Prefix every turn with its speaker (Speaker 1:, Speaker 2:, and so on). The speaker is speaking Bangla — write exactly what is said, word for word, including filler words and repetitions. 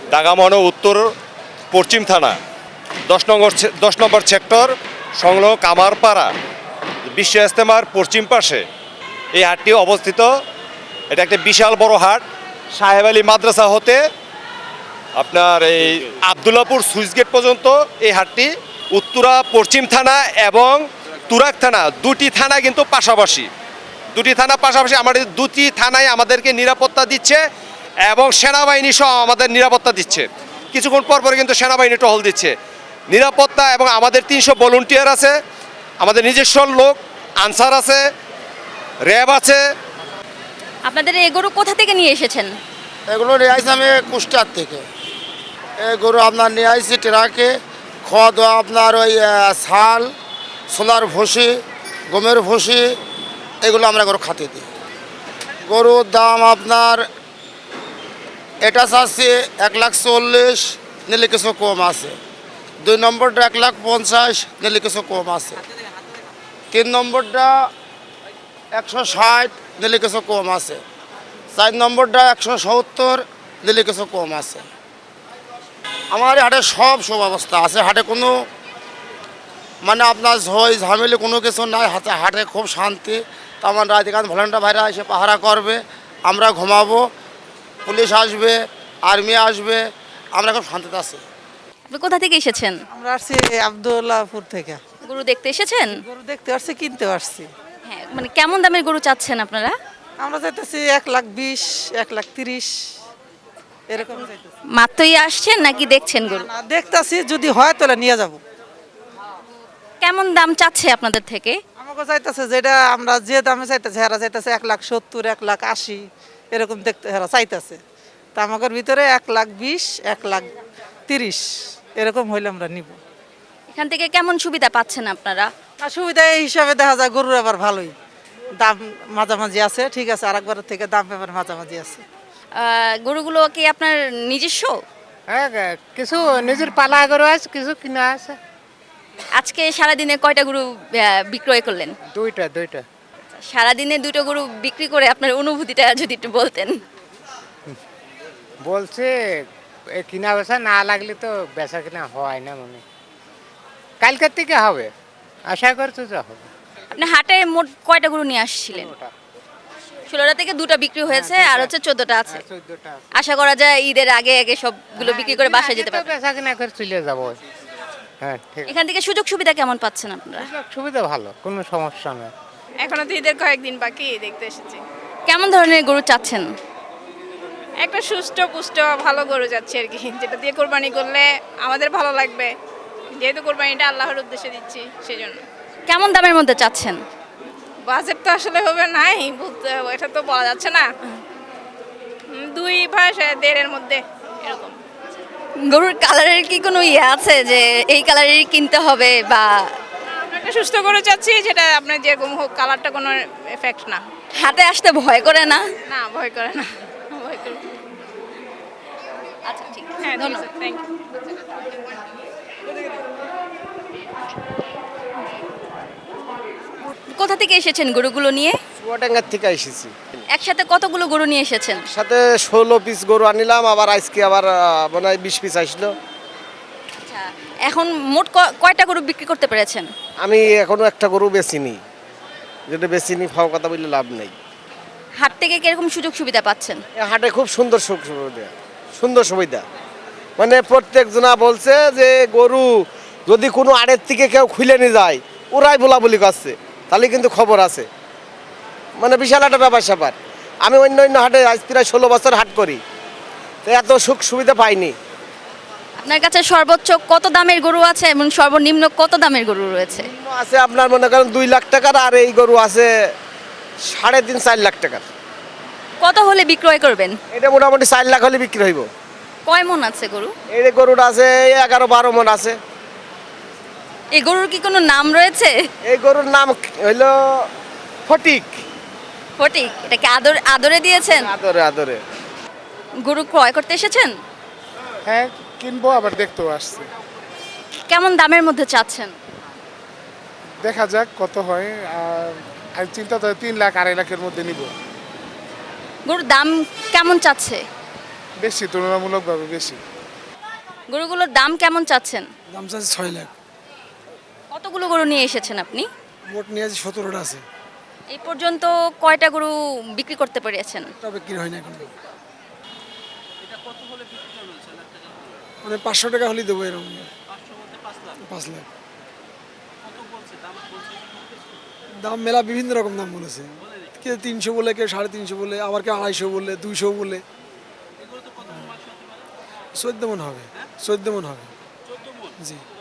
Speaker 1: দাগামন উত্তর পশ্চিম থানা দশ নম্বর দশ নম্বর সেক্টর সংলগ্ন কামারপাড়া বিশ্ব ইজতেমার পশ্চিম পাশে এই হাটটি অবস্থিত। এটা একটা বিশাল বড় হাট। সাহেব আলী মাদ্রাসা হতে আপনার এই আবদুল্লাপুর সুইচ গেট পর্যন্ত এই হাটটি। উত্তরা পশ্চিম থানা এবং তুরাক থানা দুটি থানা কিন্তু পাশাপাশি, দুটি থানা পাশাপাশি। আমাদের দুটি থানায় আমাদেরকে নিরাপত্তা দিচ্ছে এবং সেনাবাহিনী সহ আমাদের নিরাপত্তা দিচ্ছে। কিছুক্ষণ পর পরে কিন্তু সেনাবাহিনী টহল দিচ্ছে। নিরাপত্তা এবং আমাদের তিনশো ভলেন্টিয়ার আছে, আমাদের নিজস্ব লোক আনসার আছে, র্যাব আছে।
Speaker 2: আপনাদের এই গরু কোথা থেকে নিয়ে এসেছেন?
Speaker 3: এগুলো নিয়ে আসছি আমি কুষ্টার থেকে। এই গরু আপনার নিয়ে আসছি ট্রাকে। খাওয়া দাওয়া আপনার ওই শাল, সোলার ভুসি, গমের ভুসি, এগুলো আমরা গরু খাতে দিই। গরুর দাম আপনার এটা চাচ্ছি এক লাখ চল্লিশ, নিলে কিছু কম আছে। দুই নম্বরটা এক লাখ পঞ্চাশ, নিলে কিছু কম আছে। তিন নম্বরটা একশো ষাট, নিলে কিছু কম আছে। চার নম্বরটা একশো সত্তর, দিলে কিছু কম আছে। আমার হাটে সব সুব্যবস্থা আছে। হাটে কোনো মানে আপনার ঝই ঝামেলি কোনো কিছু নাই। হাতে হাটে খুব শান্তি। তো আমার রাধিকান্ত ভলেন্টিয়ার ভাইরা এসে পাহারা করবে, আমরা ঘুমাবো, পুলিশ আসবে, আর্মি আসবে, আমরা খুব শান্তিতে আছি।
Speaker 2: আপনি কোথা থেকে এসেছেন?
Speaker 4: আমরা আসছি আবদুল্লাহপুর থেকে।
Speaker 2: গরু দেখতে এসেছেন?
Speaker 4: গরু দেখতে আসছি, কিনতে আসছি।
Speaker 2: হ্যাঁ, মানে কেমন দামের গরু চাচ্ছেন আপনারা?
Speaker 4: আমরা চাইতেছি এক লাখ বিশ, এক লাখ তিরিশ এরকম চাইতেছি।
Speaker 2: মাত্রই আসছেন নাকি দেখছেন গরু?
Speaker 4: না, দেখতাছি, যদি হয় তাহলে নিয়ে যাব।
Speaker 2: কেমন দাম চাচ্ছে আপনাদের থেকে?
Speaker 4: আমাকে চাইতেছে যেটা আমরা যে দামে চাইতেছে, হেরা চাইতেছে এক লাখ সত্তর, এক লাখ আশি এরকম দেখতে হেরা চাইতেছে। তা আমাদের ভিতরে এক লাখ বিশ, এক লাখ তিরিশ এরকম হইলে আমরা নিব।
Speaker 2: এখান থেকে কেমন সুবিধা পাচ্ছেন আপনারা?
Speaker 4: আর সুবিধা এই হিসাবে দেখা যায় গরুর আবার ভালোই দাম মাঝামাঝি আছে, ঠিক আছে। আর একবারের থেকে দাম এবার মাঝামাঝি আছে।
Speaker 2: আহ, গরুগুলো কি আপনার নিজস্ব?
Speaker 5: হ্যাঁ, কিছু নিজের পালা গরু আছে, কিছু কিনা আছে।
Speaker 2: আজকে সারাদিনে কয়টা গরু আহ, বিক্রয় করলেন?
Speaker 5: দুইটা দুইটা
Speaker 2: সারাদিনে দুটো গরু বিক্রি করে আপনার অনুভূতিটা যদি একটু বলতেন।
Speaker 5: বলছে এ কিনা বেচা না লাগলে তো বেচা কিনা হয় না, মনে কালকের থেকে হবে, আশা করছো যে হবে।
Speaker 2: আপনি হাটে মোট কয়টা গরু নিয়ে আসছিলেন? ষোলোটা থেকে দুটো বিক্রি হয়েছে, আর হচ্ছে চোদ্দটা আছে।
Speaker 5: চোদ্দটা
Speaker 2: আশা করা যায় ঈদের আগে আগে সবগুলো বিক্রি করে বাসায় যেতে পারবেন।
Speaker 5: বেচা কিনা করে চলে যাবো। হ্যাঁ, ঠিক
Speaker 2: এখান থেকে সুযোগ সুবিধা কেমন পাচ্ছেন আপনারা?
Speaker 5: আছে, সুবিধা ভালো, কোনো সমস্যা নেই।
Speaker 6: এখনো তো ঈদের কয়েকদিন বাকি, দেখতে এসেছি।
Speaker 2: কেমন ধরনের গরু চাচ্ছেন?
Speaker 6: একটা সুস্থ পুষ্ট ভালো গরু যাচ্ছে আর কি, যেটা দিয়ে কোরবানি করলে আমাদের ভালো লাগবে, যেহেতু কোরবানিটা আল্লাহর উদ্দেশ্যে দিচ্ছি সেজন্য।
Speaker 2: কেমন দামের মধ্যে চাচ্ছেন?
Speaker 6: বাজেট তো আসলে হবে নাই, বলতে এটা তো বলা যাচ্ছে না। উম, দুই ভাষা দেড়ের মধ্যে এরকম।
Speaker 2: গরুর কালারের কি কোনো ইয়ে আছে যে এই কালারেরই কিনতে হবে, বা
Speaker 6: আমরা একটা সুস্থ গরু চাচ্ছি যেটা আপনার যেরকম হোক, কালারটা কোনো এফেক্ট না।
Speaker 2: হাটে আসতে ভয় করে না?
Speaker 6: না, ভয় করে না, ভয় করে।
Speaker 2: আচ্ছা, ঠিক আছে,
Speaker 6: হ্যাঁ,
Speaker 2: ধন্যবাদ।
Speaker 6: Thank you.
Speaker 2: কোথা থেকে এসেছেন গরুগুলো নিয়ে?
Speaker 3: চুয়াডাঙ্গার থেকে এসেছি।
Speaker 2: একসাথে কতগুলো গরু নিয়ে এসেছেন?
Speaker 3: সাথে ষোলো পিস গরু আনিলাম, আবার আজকে আবার মনে হয় বিশ পিস আসলো।
Speaker 2: আচ্ছা, এখন মোট ক- কয়টা গরু বিক্রি করতে পেরেছেন?
Speaker 3: আমি এখনো একটা গরু বেচিনি, যেটা বেচিনি ফাও কথা বললে লাভ নেই।
Speaker 2: হাট থেকে কিরকম সুযোগ সুবিধা পাচ্ছেন?
Speaker 3: এই হাটে খুব সুন্দর সুখ সুবিধা, সুন্দর সুবিধা। মানে প্রত্যেকজনা বলছে যে গরু যদি কোনো আড়ের থেকে কেউ খুলে নিয়ে যায়, ওরাই বলা বলি করছে, তাহলে কিন্তু খবর আছে। মানে বিশাল একটা ব্যাপার স্যাপার। আমি অন্য অন্য হাটে আজ প্রায় ষোলো বছর হাট করি, তো এত সুখ সুবিধা পাইনি।
Speaker 2: আপনার কাছে সর্বোচ্চ কত দামের গরু আছে এবং সর্বনিম্ন কত দামের গরু রয়েছে?
Speaker 3: আছে আপনার মনে করেন দুই লাখ টাকার, আর এই গরু আছে সাড়ে তিন চার লাখ টাকার।
Speaker 2: কত হলে বিক্রয় করবেন?
Speaker 3: এটা মোটামুটি চার লাখ হলে বিক্রি হইব।
Speaker 2: কয় মন আছে গরু?
Speaker 3: এই যে গরুটা আছে এগারো বারো মন আছে।
Speaker 2: এই গরুর কি কোনো নাম রয়েছে?
Speaker 3: এই গরুর নাম হইল ফটিক।
Speaker 2: ফটিক? এটাকে আদর আদরে দিয়েছেন?
Speaker 3: আদরে আদরে।
Speaker 2: গরু ক্রয় করতে এসেছেন?
Speaker 5: হ্যাঁ, কিনবো, আবার দেখতেও আসছে।
Speaker 2: কেমন দামের মধ্যে চাচ্ছেন?
Speaker 5: দেখা যাক কত হয়। আর চিন্তা তো তিন লাখ আড়াই লাখের মধ্যে নিব।
Speaker 2: গরুর দাম কেমন চাচ্ছে?
Speaker 7: বেশি, তুলনামূলকভাবে বেশি।
Speaker 2: গরুগুলোর দাম কেমন চাচ্ছেন?
Speaker 8: দাম চাচ্ছে ছয় লাখ।
Speaker 2: কতগুলো গরু নিয়ে এসেছেন আপনি?
Speaker 8: মোট নিয়ে আছে সতেরোটা আছে।
Speaker 2: এই পর্যন্ত কয়টা গরু বিক্রি করতে পেরেছেন?
Speaker 8: তা বিক্রি হয় না এখন। মানে পাঁচশো টাকা হলেই দেবো এরকম। পাঁচ লাখ দাম, মেলা বিভিন্ন রকম দাম বলেছে। কেউ তিনশো বলে, কেউ সাড়ে তিনশো বলে, আবার কেউ আড়াইশো বলে, দুইশো বলে। চোদ্দ মন হবে, চোদ্দ মন হবে। জি।